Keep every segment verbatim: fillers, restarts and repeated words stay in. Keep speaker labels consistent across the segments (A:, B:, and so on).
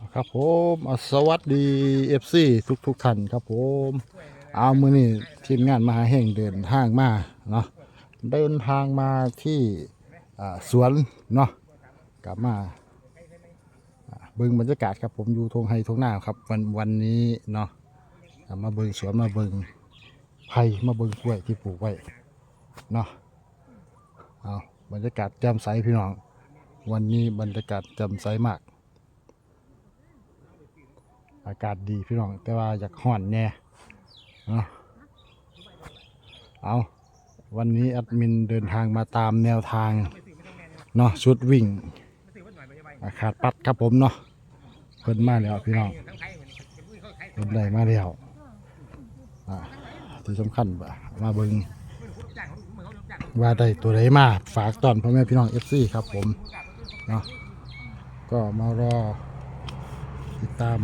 A: ครับผมสวัสดีเอฟซีทุกทุกท่านครับผมเอามือนี่ทีมงานมหาแห่งเดินทางมาเนาะเดินทางมาที่สวนเนาะกลับมาเบิ่งบรรยากาศครับผมอยู่ทงไฮทงหน้าครับวันวันนี้เนาะมาเบิ่งสวนมาเบิ่งไผ่มาเบิ่งกล้วยที่ปลูกไว้เนาะเอาบรรยากาศแจ่มใสพี่น้องวันนี้บรรยากาศแจ่มใสมากอากาศดีพี่น้องแต่ว่าอยากห่อนแน่เนาะเอาวันนี้แอดมินเดินทางมาตามแนวทางเนาะชุดวิ่งขาดปัดครับผมเนาะเพิ่นมาแล้วพี่น้องเพิ่นได้มาแล้วอ่าที่สำคัญมาเบิ่งว่าได้ตัวไหนมาฝากตอนพ่อแม่พี่น้อง เอฟ ซี ครับผมเนาะก็มารอติดตาม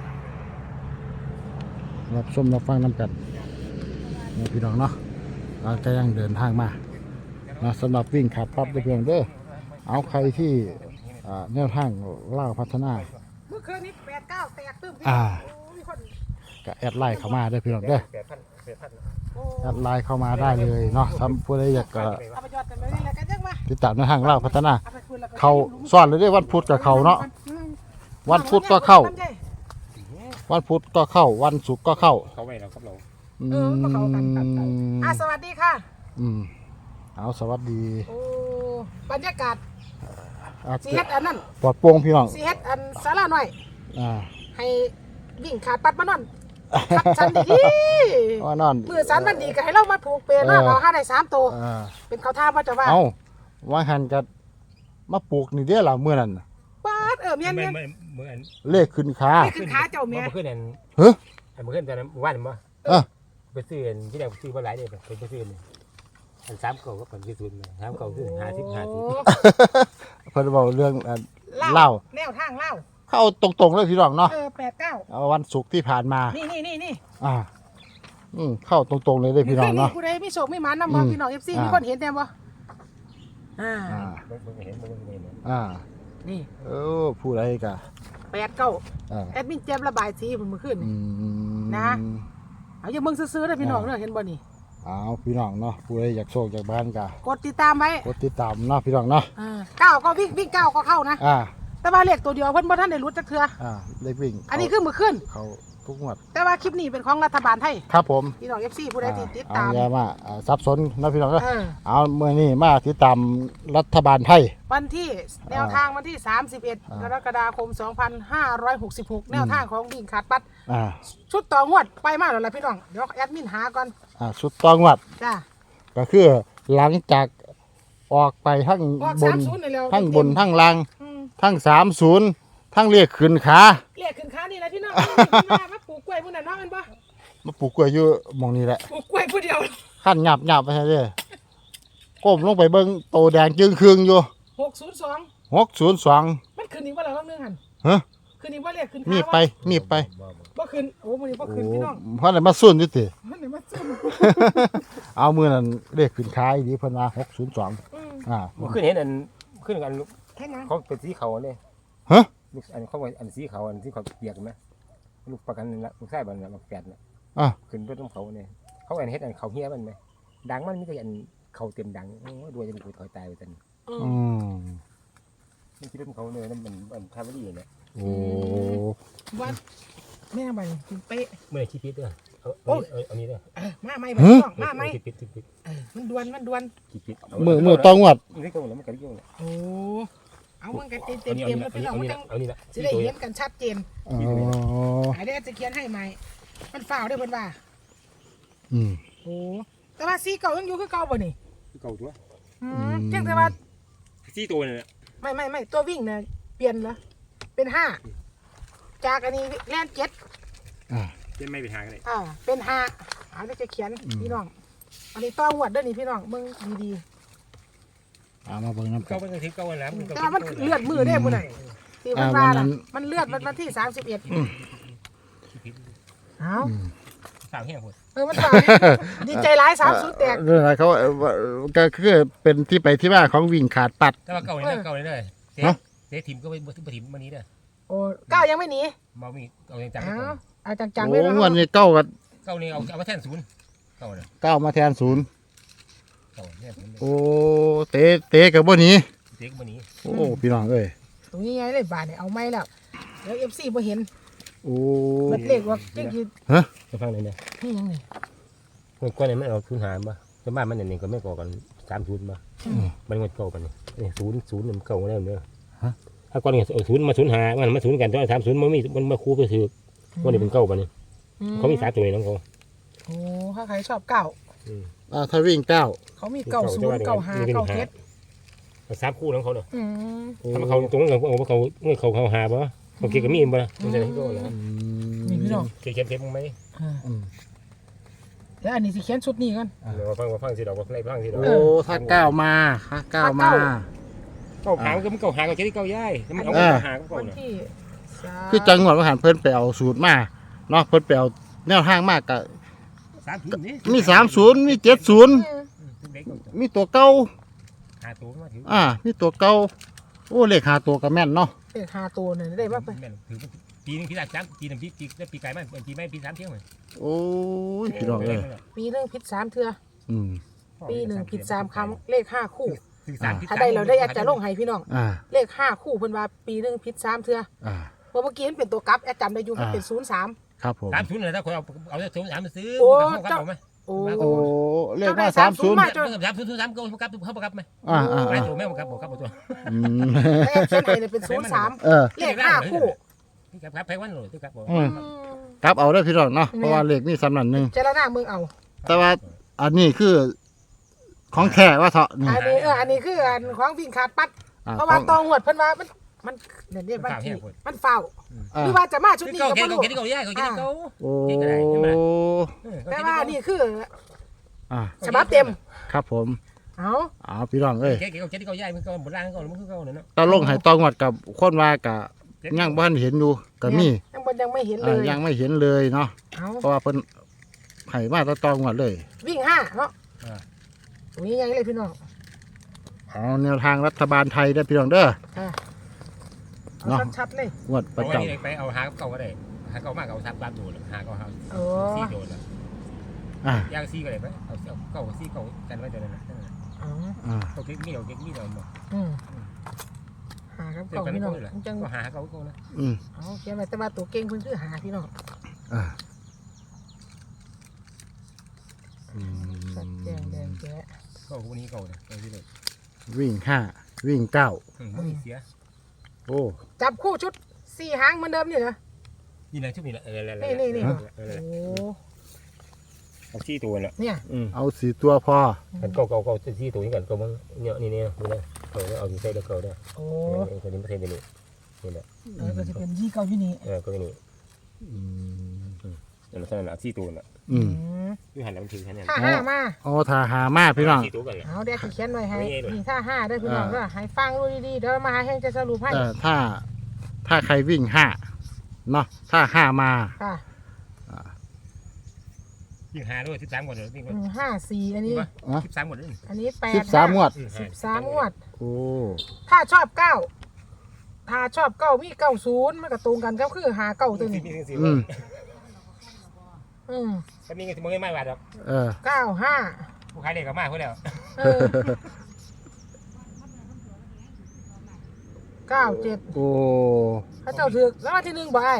A: รับชมรับฟังน้ำกันนะพี่น้องเนาะเราจะยังเดินทางมานะสำหรับวิ่งขาดปั๊บได้เพียงเด้อเอาใครที่แนวทางเล่าพัฒนา
B: เมื่อคืนนี้แปดเก้าแตกตึ้ม
A: อ่าก็แอดไลน์เข้ามาได้พี่น้องเด้อแอดไลน์เข้ามาได้เลยเนาะทำผู้ใดอยากก็ติดตามแนวทางเล่าพัฒนาเขาซ่อนเลยได้วันพุธกับเขาเนาะวันพุธก็เข้าวันพุธก็เข้าวันศุกร์ก็เข้า
C: เขาไม่เราครับเรา
B: เออก็เขากันกันอ่ะสวัสดีค่ะ
A: อืมเอาสวัสดี
B: โอ้บรรยากาศสีเฮ็ดอันนั้น
A: ปลอดโปร่งพี่น้อง
B: สีเฮ็ดอันสาราหน่อย
A: อ่า
B: ให้วิ่งขาดปัดมานอนสันดี
A: ว่านอน
B: มือสันมันดีก็ให้เรามาผูกเปรย์เนาะเอาห้าได้สามตัวเป็นเขาท่าว่าจะว่า
A: เอ้าว่าหันกันมาปลูกนี่เด้อล่ะมื้อนั้น
B: ป้าเออเมียนเมียน
A: เลขขึ้นขา
B: เลขขึ้นขาเจ้าเมีย
C: เมื่อคืนนั่น
A: เฮ้ย
C: เมื่อคืนตอนนั้นวันมั้ง
A: เออ
C: ไปซื้อที่ไหนซื้อมาหลายเดือนไปไปซื้ออันสามเก่าก็ผลที่สุดเลยสามเก่าคือหาสิบหาสิบ
A: เพิ่นบอกเรื่องเล่า
B: แนวทางเล่า
A: เข้าตรงๆเลยพี่น้องเนาะ
B: เออแปดเก้า
A: วันศุกร์ที่ผ่านมา
B: นี่นี่นี่นี่
A: อ่าอืมเข้าตรงๆเลยเลยพี่น้องเนาะ
B: ผู้ใดไม่โศกไม่หมันนำบ่พี่น้อง เอฟ ซี มีคนเห็นแน่บ่อ่า
C: เห็นเห็น
A: อ่า
B: นี่
A: เออผู้ใดกะ
B: แปดเก้าแอดมินเจ็บระบายสีผมเมื่อคืนนะเอาอย่าเบิ่งซื้อๆเด้อพี่น้องเด้อเห็นบ่นี่
A: เอาพี่น้องเนาะผู้ใดอยากโชคอยากบ้านกะ
B: กดติดตามไว้
A: กดติดตามเนาะพี่น้องเนาะ
B: อ่าเก้าก็วิ่งวิ่งเก้าก็เข้านะ
A: อ่า
B: แต่ว่าเลขตัวเดียวเพิ่นบ่ทันได้รู้จักเทื่อ
A: อ่าเลขวิ่ง
B: อันนี้คือมื้อคืน
A: เขาทุกงวด
B: แต่ว่าคลิปนี้เป็นของรัฐบาลไทย
A: ครับผม
B: พี่น้อง เอฟ ซี ผู้ใดติดตาม
A: เอาอย่ามาซับซ้อนนะพี่น้องเนาะเอามื้อนี้มาติดตามรัฐบาลไทย
B: วันที่แนวทางวันที่สามสิบเอ็ดกรกฎาคมสองพันห้าร้อยหกสิบหกแนวทางของวิ่งขาดปัดชุดต่องวดไปมาแล้วล่ะพี่น้องเดี๋ยวแอดมินหาก่อน
A: อ่าชุดต่องวด
B: จ้า
A: ก็คือหลังจากออกไปทั้งบนทั้งบนทั้งล่างทั้งสามศูนย์ทั้งเรียกขึ้นขา
B: เรียกขึ้นขานี่แหละพี่น้องมาปลูกกล้วยพวกนั้นเนาะมันบ่
A: มาปลูกกล้วยอยู่มองนี่แหละ
B: ปลูกกล้วยผู้เดียว
A: ขั้นหยาบหยาบไปเรื่อยก้มลงไปเบิ้งโตแดงจึงคืองอยู่
B: หกศูนย์สอง
A: หกศูนย์สอง
B: มันขึ้นอีกว่าแล้วนึงหัน
A: ฮะ
B: ขึ้นอีกว่าเรียกขึ้นขา
A: มีไปมีไป
B: บ่ขึ้นโอ้มื้อนี้บ่ขึ้นพี่น้อง
A: เพราะอะไรมาสุ่นอยู่ติ
B: มันไหนมาสุ่น
A: เอามือนั้นเรียกขึ้นขาอีกเพิ่นว่าหกศูนย์สองอ่า
C: ขึ้นเห็นอันขึ้นกันเขาเป็นสีเขาเลย
A: ฮะ
C: ลูกอันเขาอันสีเขาอันที่เขาเปียกไหมลูกประกันละลูกไส้บันละลูกแฝดน่ะ
A: อ่ะ
C: ขึ้นรถน้ำเขาเนี่ยเขาอันเฮ็ดอันเขาเฮี้ยมันไหมดังมันมีแต่อันเขาเต็มดังโอ้ด้วยจะมันถอยตายไปจน
A: อืม
C: นี่คิดว่าเขาเนี่ยนั่นมันมันทำไม่ดีเนี่ย
A: โอ้
B: วันแม่ใบเป๊ะ
C: เมื่อคิดพิษด้วยเอาเอาเอานี้ด้วย
B: มาไม่ใบต้องมาไม่
C: คิดพิษคิดพิษ
B: มันดวนมันดวน
C: คิดพิษ
A: มือมือต้องวัด
C: นี่ก็แล้วมันกันยุ่งเลย
B: โอ้เอามันกันเต็มเต็มเต็มแล้วพี่น้องมันต้องจะได้เห็นกันชัดเจน
A: อ๋อ
B: ไอ้เด็กจะเขียนให้ใหม่มันฝ่าได้เพิ่นว่า
A: อืม
B: โอ้แต่ว่าสีเก่ายังอยู่คือเก่าบ่นี่
C: เก่าตัว
B: อืมเพียงแต่ว่า
C: สีตัวเนี่ย
B: ไม่ไม่ไม่ตัววิ่งเนี่ยเปลี่ยนนะเป็นห้าจากอันนี้แล่นเจ็ด
A: อ่า
C: เป็นไม่เป็นห้ากันเลย
B: อ่าเป็นห้าเอาได้จะเขียนพี่น้องอันนี้ต้องหวดด้วยนี่พี่น้องมึงดี
A: ๆเอามาเบิ่งน้ำ
C: เก่าเป็นทิพย์เก่าวันแล้ว
B: แต่มันเลือดมือได้บ่ไหนที่มันว่าล่ะมันเลือดวันที่สามสิบเอ็ดเอา
C: สาวเหี้ยหมด
B: เออมันสาวดีใจร้ายสามสุดแตก
A: เรื่องอะไรเขาก็คือเป็นที่ไปที่มาของวิ่งขาดปัด
C: แต่ว่าเก่าเลยเก่าเลยเลยเจ๊เจ๊ถิ่มก็ไปถิ่มวันนี้เด้อ
B: โโอ้เก้ายังไม่หนี
C: บ่มีเอาจังๆ
B: เอา
C: ก่อน
B: เอาจังๆ
A: โอ้
B: เลยนะ
A: งวดนี้เก้ากับ
C: เก้านี่เอาเอามาแทนศูนย์เก้าน่ะ
A: เก้ามาแทนศูนย์
C: เก้าแทนศูนย์
A: โอ้เตะเตะกับบ่หนี้
C: เด็กบ่หนี
A: โอ้พี่น้องเอ้ย
B: ตรงนี้ไงเลยบาทเนี่ยเอาไม่แล้วเดี๋ยวเอฟซีพอเห็น
A: โอ้
B: เบิดเลขว่าเจ๊กี้
C: จะฟังเลยเนี่ย
B: นี่ยังไง
C: เมื่อก่อนเนี่ยมันเอาศูนย์หารบ่ชาวบ้านมันเนี่ยก็ไม่ก่อกันสามศูนย์บ่มันงดเก่าปานนี้นี่ศูนย์ศูนย์มันเก่าแล้วเด้อถ้าก่อนเนี่ยเอาศูนย์มาศูนย์หามันมาศูนย์กันตอนสามศูนย์มันมีมันมาคู่ไปถือก่อนนี่เป็นเก่าปานนี้เขามีสามตัวน้องเขา
B: โอ้ถ้าใครชอบเก้า
A: อ่าถ้าวิ่งเก้า
B: เขามีเก้าศูนย์เก้าห้าเก้าเจ็ด
C: สามคู่ของเขาเนาะ
B: อืม
C: ถ้าเขาตรงนั้นเขาเขาเมื่อเขาเขาหาบ่เขาเกี่ยวกับมีบ่มันจะได้ก็แล้ว
B: นี่พี่น้อง
C: เก็บเก็บมั้งไหม
B: อ่าเดี๋ยวอันนี้สิเขียนชุดนี้กัน
C: เดี๋ยวฟังฟังสิดอกว่าในฟังสิดอก
A: โอ้ถ้าเก้ามาถ้าเก้ามา
C: เก่าหางก็มันเก่าหางก็จะได้เก่าย่ายมันเอา
A: อ่า
C: หางก็เก่า
B: วัน
C: เนี่ย
B: ที่สาม
A: คือจังหวัดมหาเพิ่นไปเอาสูตรมาเนาะเพิ่นไปเอาแนวทางมากกะ
C: สามศูนย์นี่
A: มีสามศูนย์มีเจ็ดศูนย์มีตัวเก้า
C: หาตัวมาถือ
A: อ่ามีตัวเก้าโอ้เลขหาตัวก็แม่นเนาะ
B: เลขห้าตัวเนี่ยได้มาไป
C: ถือปีนึงปีละสามปีนึงปีปีปีไก่มันปีไม่ปีสามเที่ยวเลย
A: โอ้ยพี่น้องเอ้ย
B: ปีหนึ่งผิดสามเทือ
A: อืม
B: ปีหนึ่งผิดสามครั้งเลขห้าคู่
C: ถือสาม
B: ถ้าได้เราได้แอดจะลงให้พี่น้อง
A: อ่า
B: เลขห้าคู่เพิ่นว่าปีหนึ่งผิดสามเทือ
A: อ่า
B: เพราะเมื่อกี้มันเป็นตัวกลับแอดจำได้อยู่มันเป็นศูนย์สาม
A: ครับผม
C: สามศูนย์เลยถ้าคนเอาเอาศูนย์สามมาซื้อ
B: โอ้
C: เขากลับไหม
B: โอ้
A: โอ้เลขว่าสามศูนย์
B: มา
C: สามศูนย์สามศูนย์สามเขากลับเขากลับไหม
A: อ่าอ่า
C: ไม่
A: อ่า
C: ตัวไม่กลับบอกกลับตัว
A: อืม
B: แต่แอดเขียนให้เนี่ยเป็นศูนย์สาม
A: เออ
B: เลขห้าคู่
C: กลับกลับไปวันหน่อยกลับบอก
A: อืมครับเอาได้อพี่น้องเนาะเพราะว่าเลขนี่สำนันหนึ่ง
B: เจรนาเมืองเอา
A: แต่ว่าอันนี้คือของแท้ว่าเถาะนี่
B: อันนี้เอออันนี้คืออันของวิ่งขาดปัด
A: อ่า
B: เพราะ
A: ข
B: ว่า
A: อง
B: ตองหวดเพิ่นว่ามันมันเดี๋ยวนี้มันที่มันเฝ้า
A: อ่า
B: หรือว่าจะมาชุดนี้
C: เขา
B: ก็
C: เก่
B: บ่
C: ง
B: รู้
C: เขาเก่งเขาย่ายเขาเก่งเขา
A: โอ้
B: แต่ว่านี่คือ
A: อ่า
B: ฉบับเต็ม
A: ครับผม
B: เอา
A: เอาพี่น้องเอ้ย
C: เก่งเขาเก่งเขาย่ายมันก็โบราณเขามันคือเขาเนาะ
A: ตาลงให้ตองวดกับคนว่ากะยังบ้านเห็นอยู่ก็มี
B: ยังบ่ยังไม่เห็นเล
A: อ่าย ยังไม่เห็นเลยเนาะ
B: เอา
A: เพราะว่าเพิ่นให้มาตาตองวดเลย
B: วิ่งห้าเนาะตรงนี้ยังเลยพี่น้อง
A: เอาแนวทางรัฐบาลไทยได้อพี่น้องเด้อ
B: อ่ะเอา
A: เนาะ
B: ชัดๆเลย
A: งวดประ
C: เอา
A: จ
C: ไว้ไปเอาหาเก่าก็ได้หาเก่ามากเอาสามบาทตัวหาเก่าหา
B: โอ้
C: สี่โดนละ
A: ำอ่า
C: ย่างซี่ก็ได้ไหมเอาเก่าซี่เก่ากันไว้ตัวนั้นนะ
B: อ๋อ
A: อ่า
C: เขาเก่งมีเอาเก่งมีเอาหมด
B: อืมหาครับ
C: เดี๋ย
B: เก่าว
C: กัน
B: พี่น้อง
C: ก็เลย
B: จัง
C: ก็หาเก่าก็นะ
A: อืม
B: เอาเขียนไว้แต่ว่าตัวเก่งเพิ่นคือหาพี่น้อง
A: อ่าอื
B: สัด
A: ม
B: แดงแดงแจ๊ะ
C: เก่าคนนี้เก่าเนี่ยไปที่เลย
A: วิ่งห้าวิ่งเก้า
C: ไม่เสีย
A: โอ้
B: จับคู่ชุดสี่หางเหมือนเดิมนี่เหรอ
C: นี่นะชุดนี้แหละ
B: นี่นี่นี่โอ้
C: เอาซี่ตัวแหละ
B: เนี่ย
C: อืม
A: เอาสีตัวพอ
C: กันเก่าเก่าเก่าซี่ตัวนี้กันก็มึงเนี่ยนี่นี่นี่นะเก่าเอาที่ใส่แล้วเก่าได้
B: โอ้
C: ตัวนี้ไม่ใช่เดี๋ยวนี้นี่แหละ
B: เออก็จะเป็นยี่เก้าอยู่นี่
C: เออก็นี่
A: อืม
C: นั่นแหละนั่นแหละซี่ตัวน่ะ
A: อืม
C: อยู่หันแล้วมันถือแค่นี้
B: ถ้าห้ามา
A: โอ้ทาหามาพี่น้อง
C: ซี่ตัวกันแหละ
B: เอาเดี๋ยวสิเขียนไว้ให้
C: ไม่ใช่ด้วย
B: นี่ถ้าห้าได้อพี่น้อง
A: อ่า
B: เด้อให้ฟังดูดีๆเดี๋ยวมาหาให้จะสรุปให้
A: เอ่อถ้าถ้าใครวิ่งห้าเนาะถ้าห้ามา
B: ค่ะ
C: ยิงหาด้วยสิบสามหมดเลยนี่
B: อืมห้าสี่อันนี้
C: สิบสามหมดเลย
B: อันนี้แปด
A: สิบสามงวด
B: สิบสามงวด
A: โอ้
B: ถ้าชอบเก้าถ้าชอบเก้ามีเก้าศูนย์มันก็ตรงกันก็คือหาเก้าตัวนี้
A: อืม
B: อืม
C: ก็มีเงินที่มึงไม่มาหรอก
A: เออ
B: เก้าห้า
C: ผู้ขายเด็กก็มาเพื่อแล้ว
B: เออเก้าเจ็ด
A: โอ้
B: พระเจ้าถือแล้ววันที่หนึ่งบ่าย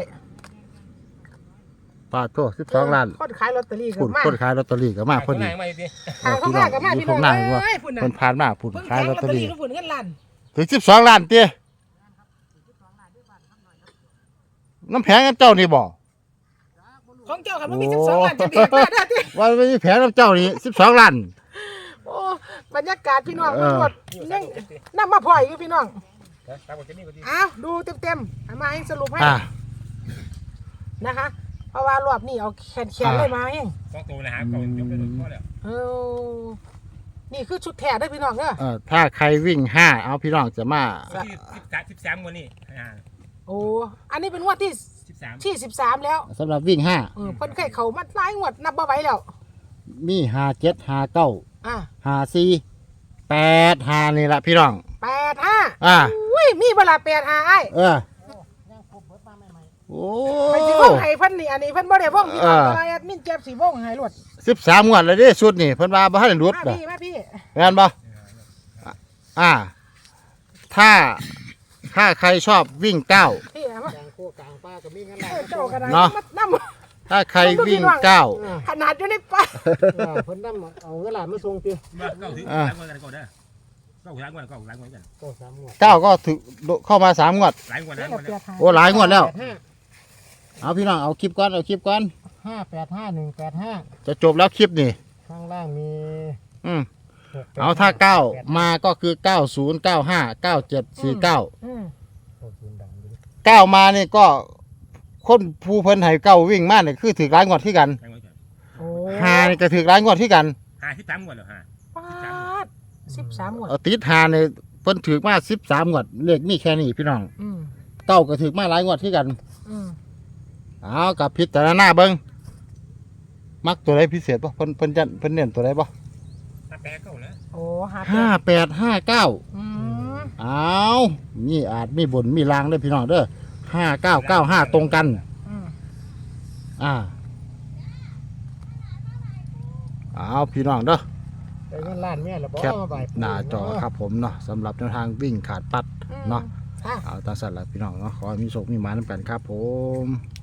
A: ปาดโทษสิบสองล้าน
B: คนขายลอตเตอรี่กั
A: พุ่น
B: บมา
A: คนขายลอตเตอรี่ก็มาพอดี
C: มาดิ
B: ทางข้างหน้ากับมา
A: อยู่
B: พี่น้อง
A: ข้างหน้าว่า
B: เอ้ยพุ่นน่ะ
A: คนผ่านมาพุ่น
B: เพิ่ง
A: ขาย
B: ขาย
A: ล
B: ล
A: อ
B: อ
A: ต
B: ต
A: เต
B: เต
A: อ
B: อ
A: รี่
B: รี่ทุกคนเงินล้าน
A: ถึงสิบสองล้านเตี้ยน้ำแผงกับเจ้านี่บ่
B: ของเจ้าครับมันมีสิบสองล้านจะเบียดมาได้ที่
A: ว่าไม่มีแผงกับเจ้านี่สิบสองล้าน
B: โอ้บรรยากาศพี่น้อง
A: เอ
B: มัน
A: อ
B: หมดยังน้ำมาพลอยอยู่พี่น้อง
C: ตามกฎจะนี่ก็ดี
B: อ้าวดูเต็มๆเอามาให้สรุปให้
A: อ่า
B: นะคะ เพราะว่ารอบนี้เอาแขนแขน
A: อ่า
B: เลยมาเอง
C: ต้องตัวนะฮะเก่ายกได้หมดพอแล้ว
B: เออนี่คือชุดแท้ได้อพี่น้องเด้อ
A: เออถ้าใครวิ่งห้าเอาพี่น้องจะมา
C: ที่สิบสามสิบสามวันนี้อ่า
B: โอ้อันนี้เป็นงวดที่
C: สิบสาม
B: ที่สิบสามแล้ว
A: สำหรับวิ่งห้า
B: เออเพิ่นเคยเขามาหลายงวดนับบ่ไหวแล้ว
A: มีห้าเจ็ดห้าเก้า
B: อ่ะ
A: ห้าสี่แปดห้านี่แหละพี่น้อง
B: แปดห้า
A: อ่า
B: อุ้ยมีเวลาแปดห้าไอ้
A: เออโอ้
B: ไปสิวงให้เพิ่นนี่อันนี้เพิ่นบ่ได้วงพี่น้อง
A: อ่า
B: แต่ว่าแอดมินเจ็บสิวงให้รวด
A: สิบสามงวดเลยเด้ชุดนี่เพิ่นว่าบ่ทันได้หลุด
B: มา
A: น่ะ
B: พี่มาพี่
A: แม่นบ่อ่า ถ้าถ้าใครชอบวิ่งเก้า
B: พี่เอามา
D: กลางโคกลางป้าก็มีกัน
B: เอ
D: แล้ว
B: อเจ้ากระดาษ
A: เนาะ
B: นำ
A: ถ้าใครวิ่งเก้า
B: ขนาดอยู่ในป่า
D: เพิ่นนำเอาเงินหลานมาส่งติ
C: ว่าเก้าถึง
A: อ่า
C: หลายงวดกันก่อนเด้อเก้าหลายงวดเก้าหลายงวดกัน
D: ก็สามงวด
A: เก้าก็ถึงเข้ามาสามงวด
C: หลายงวดหลายงวด
B: เปี
C: แล้
B: ยว กหา
A: โอ้หลายงวดแล้ว
D: ห้า
A: เอาพี่น้องเอาคลิปก่อนเอาคลิปก่อน
D: ห้าแปดห้าหนึ่งแปดห้า
A: จะจบแล้วคลิปนี่
D: ข้างล่างมี
A: อืม
D: หกแปด
A: เอาถ้าเก้า
D: แปด
A: มาก็คือเก้าศูนย์เก้าห้าเก้าเจ็ดสี่เก้า
B: อืม
D: โอ้ศูนย์ดังอยู่ดิ
A: เก้ามานี่ก็คนผู้เพิ่นให้เก้าวิ่งมาเนี่ยคือถือร้ายงวดที่กัน
C: หลายงวดกัน
B: โอ้
A: หานี่ก็ถือร้ายงวดที่กัน
C: ห้าสิบสามงวดแล้วฮะ
B: ปาดสิบสามหมวด
A: เอาติดหาเนี่ยเพิ่นถือมาสิบสามงวดเลขมีแค่นี้พี่น้อง
B: อืม
A: เก้าก็ถือมาหลายงวดที่กัน
B: อืม
A: เอากับพิจารณาเบิ่งมักตัวใดพิเศษป่ะเพิ่นเพิ่นจะเพิ่นเน้นตัวใดป่ะ
C: ถ้าแปลเก้าแล้ว
B: โอ้หา
A: ห้าแปดห้าเก้า
B: อืม
A: เอามีอาจมีบนมีลางเด้อพี่น้องเด้อห้าเก้าเก้าห้าตรงกัน
B: อืม
A: อ่าเอาพี่น้องเด้อ
D: ได้เงินล้านแม่แล้วบ่
A: แคป
D: มาบ่าย
A: หน้าจอครับผมเนาะสำหรับแนวทางวิ่งขาดปัด
B: อืม
A: เนาะ
B: อ่ะ
A: เอาตามสัตว์ละพี่น้องเนาะขอให้มีโชคมีหมาน้ำกันครับผม